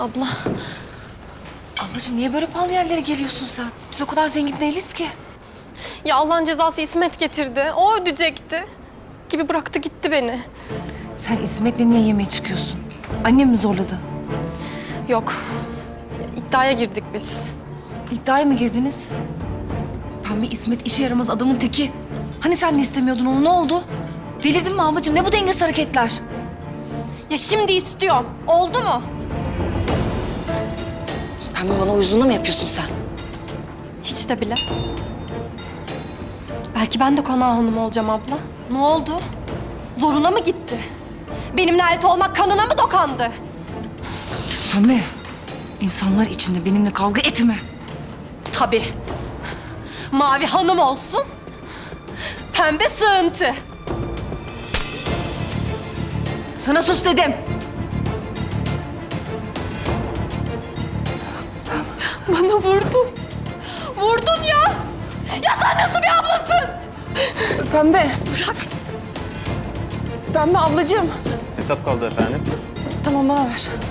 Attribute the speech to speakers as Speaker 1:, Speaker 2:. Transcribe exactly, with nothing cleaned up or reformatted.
Speaker 1: Abla. Ablacığım niye böyle pahalı yerlere geliyorsun sen? Biz o kadar zengin değiliz ki.
Speaker 2: Ya Allah'ın cezası İsmet getirdi. O ödeyecekti. Gibi bıraktı gitti beni.
Speaker 1: Sen İsmet'le niye yemeğe çıkıyorsun? Annem mi zorladı?
Speaker 2: Yok. Ya, iddiaya girdik biz.
Speaker 1: İddiaya mı girdiniz? Pembe İsmet işe yaramaz adamın teki. Hani sen de istemiyordun onu, ne oldu? Delirdin mi ablacığım? Ne bu dengesiz hareketler?
Speaker 2: Ya şimdi istiyorum. Oldu mu?
Speaker 1: Pembe bana uyuzluğuna mı yapıyorsun sen?
Speaker 2: Hiç de bile. Belki ben de konağı hanım olacağım abla. Ne oldu? Zoruna mı gitti? Benimle ait olmak kanına mı dokandı?
Speaker 1: Pembe, insanlar içinde benimle kavga etme.
Speaker 2: Tabii. Mavi hanım olsun. Pembe sığıntı.
Speaker 1: Sana sus dedim.
Speaker 2: Bana vurdun. Vurdun ya. Ya sen nasıl bir ablasın?
Speaker 1: Pembe. Bırak. Pembe ablacığım.
Speaker 3: Hesap kaldı efendim.
Speaker 1: Tamam bana ver.